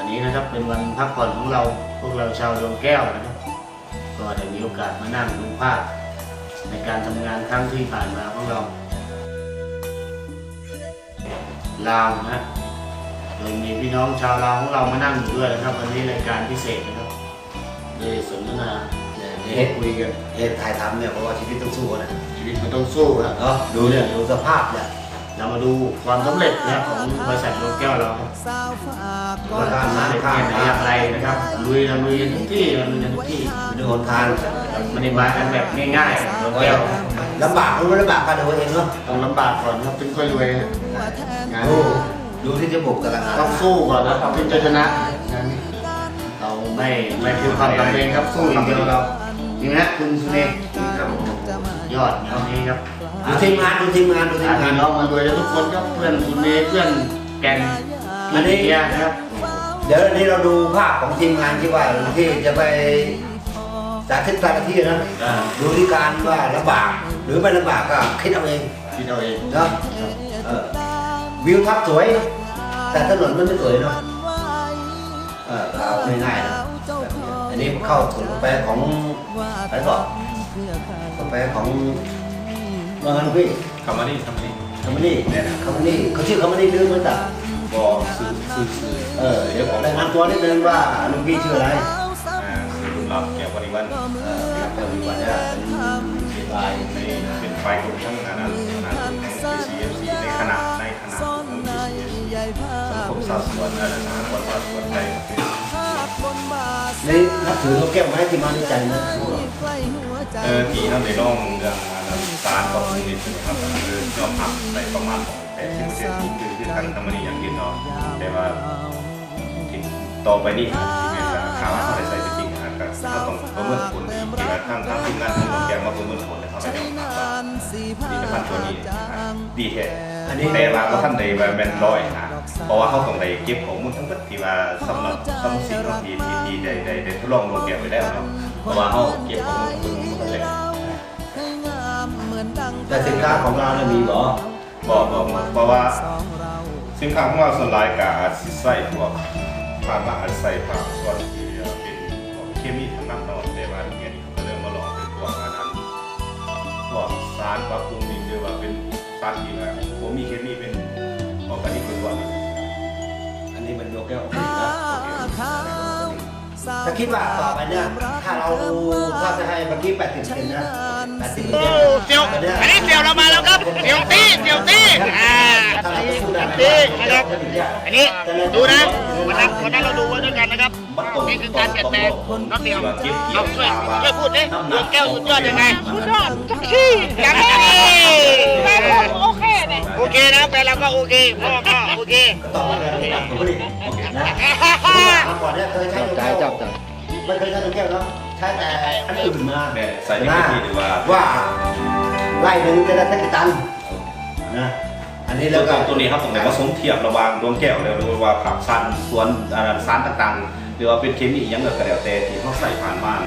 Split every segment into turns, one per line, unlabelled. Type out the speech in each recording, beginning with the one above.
นี้นะครับเป็นวันพักผ่อนของเราพวกเราชาวดวงแก้วนะครับก็ได้มีโอกาสมานั่งดูภาพในการทำงานครั้งที่ผ่านมาของเราลาวนะโดยมีพี่น้องชาวลาวของเรามานั่งอยู่ด้วยนะครับวันนี้รายการพิเศษนะครับได้สนทนาได้คุยกัน
ถ่ายทำเนี่ยเพราะว่าชีวิตต้องสู้นะ
ชีวิตมันต้องสู้ครับ
ดูเนี่ยดูสภาพเนี่ย
เรามาดูความสำเร็จนะของบริษัทดวงแก้วเราครับว่าการสำเร็จเนี่ยอย่างไรนะครับลุยทุกที่ลุยทุกที่
ดูหนทาง
มันมากันแบบง่ายๆดวงแก้ว
ลำบากรู้ลำบากกันตัวเองเนาะ
ต้องลำบากก่อนครับถึงค่อยรวยงาน
ดูที่จะบุกตลาด
ต้องสู้ก่อนนะครับถึงจะชนะเราไม่คือความจำเป็นครับสู้อย่างเดียวเราจริงนะคุณสุเนศยอดงานนี้ครับ
ดูทีมงานพี่
น้องมารวยทุกคนครับเพื่อนสุเนศเพื่อนแกนอันนี้นะครับ
เดี๋ยวนี้เราดูภาพของทีมงานที่ว่าที่จะไปสาธิตแต่ละที่นะดูที่การว่าลำบากหรือไม่ลำบากก็คิดเอาเองเนาะวิวทับสวยแต่ถนนมันไม่สวยเนาะเอาง่ายๆนะอันนี้เข้าถึงกาแฟของอะไรก่อนกาแฟของว่างั้นพี่
คามานี่
เนี่ยนะคามานี่เขาชื่อคามานี่ลืมเหมือนกัน
บอกซื้อ
เดี๋ยวผมรายงานตัวนิดนึงว่าลุงพี่ชื่ออะไร
รุ่นรับแก้วปริวัน
แก้วปริวันเนี่ยเป็นลาย
เป็นไฟกลุ่มทั้งนั้นของ CFC ในขณะของสังคมศาสตร์ส่วนอาจารย์สหกรณ์ศาสตร์ส่วนไทย
นี่นับถือเขาแก้วไม้ที่มาในใจนะ
ที่ท่านในร่องเรื่องสารของนิตินะครับคือยอมหักในประมาณ80%คือการทำมันอย่างกินเนาะแต่ว่าต่อไปนี่ข่าวอะไรใส่จริงนะครับก็ต้องประเมินผลที่ทางทีมงานของเราแกมาประเมินผลนะครับในเรื่องว่าผลิตภัณฑ์ตัวนี้ดีแท้แต่ว่าก็ท่านใดว่าเป็นร้อยนะเพราะว่าเขาต้องได้เก็บข้อมูลทั้งหมดที่ว่าสำหรับสิ่งที่ได้ทดลองลงแกไปแล้วเนาะเพราะว่าเขาเก็บข้อมูลทั้งหมดเลย
แต่สินค้าของเราเนี่ยมีบอก
เพราะว่าสินค้าของเราส่วนหลายกับใส่พวกผ้าบางใส่ผ้าส่วนที่เป็นเคมีทั้งนั้นเนาะแต่ว่าเดี๋ยวนี้เขาก็เริ่มมาลองเป็นพวกนั้นพวกสารปรับปรุงดินหรือว่าเป็นสารที่แบบผมมีเคมีเป็นออร์แกนิกล้วน
อันนี้มันโยกแก้วนะถ้าคิดว่าต่อไปเนี่ยถ้าเราจะให้เมื่อกี้80%นะ80%
เสี่ยวอันนี้เสี่ยวเรามาแล้วครับเสี่ยวตี้นะครับอันนี้ดูนะวันนั้นเราดูไว้ด้วยกันนะครับนี่คือการเปลี่ยนแปลงน้องเสี่ยวเอาช่วยพูดดิดวงแก้วสุดยอดยังไง
สุดยอดจังที่
อย่างนี้
โอเคเนี่ย
โอเคนะแฟนเราก็โอเคพ่อก็โอเค
ต่อมาเลยนะผมนี่นะก่อนเนี่ยเคยใช้ดวงแก้วไม่เคยใช้ดวงแก้วเนาะใช้แต่อันอื่นมา
ใส่ในที่ดี
ว่าไล่หนึ่งจะได้สักกี่ตันนะอันนี้แล้วก็
ตัวนี้ครับตรงไหนผสมเทียบระหว่างดวงแก้วแล้วหรือว่าผักซันสวนสารต่างๆหรือว่าเป็นเคมียังก็แล้วแต่ที่เขาใส่ผ่านมา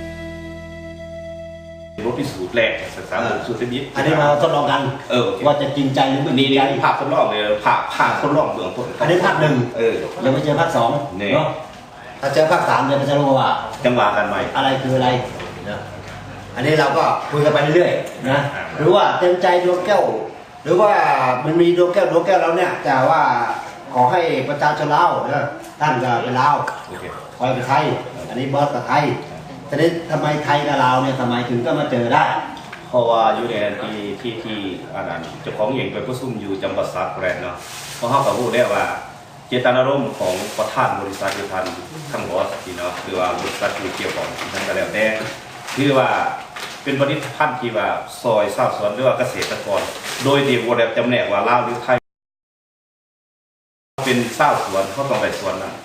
รู้พิสูจน์แรกศึกษาสูตรเทคนิค
อันนี้มาทดลองกันว่าจะจริงใจหรือไม่จริงใจ
ภาพทดลองเลยภาพทดลองเบื้องต้น
อันนี้ภาคหนึ่งยังไม่เจอภาคสองเนาะถ้าเจอภาคสามจะรู้ว่า
จังหวะกันใหม่
อะไรคืออะไรนะอันนี้เราก็คุยกันไปเรื่อยๆนะหรือว่าเต็มใจดวงแก้วหรือว่ามันมีดวงแก้วเราเนี่ยแต่ว่าขอให้ประชาชนลาวท่านก็เป็นลาวคอยไปไทยอันนี้บอสกับไทยทีนี้ทำไมไทยกับลาวเนี่ยทำไมถึงก็มาเจอได้
เพราะว่าอยู่ในที่อันนั้นเจ้าของเองไปประชุมอยู่จังหวัดสระแก้วเนาะเพราะเขาก็พูดได้ว่าเจตนารมณ์ของประธานบริษัทเดียวกันทั้งบอสที่เนาะหรือว่าบริษัทที่เกี่ยวข้องทั้งกันแล้วแต่คือว่าเป็นผลิตภัณฑ์ที่ว่าซอยชาวสวนหรือว่าเกษตรกรโดยที่บ่ได้จำแนกว่าลาวหรือไทยเป็นชาวสวนเขาต้องไปสวนนั้น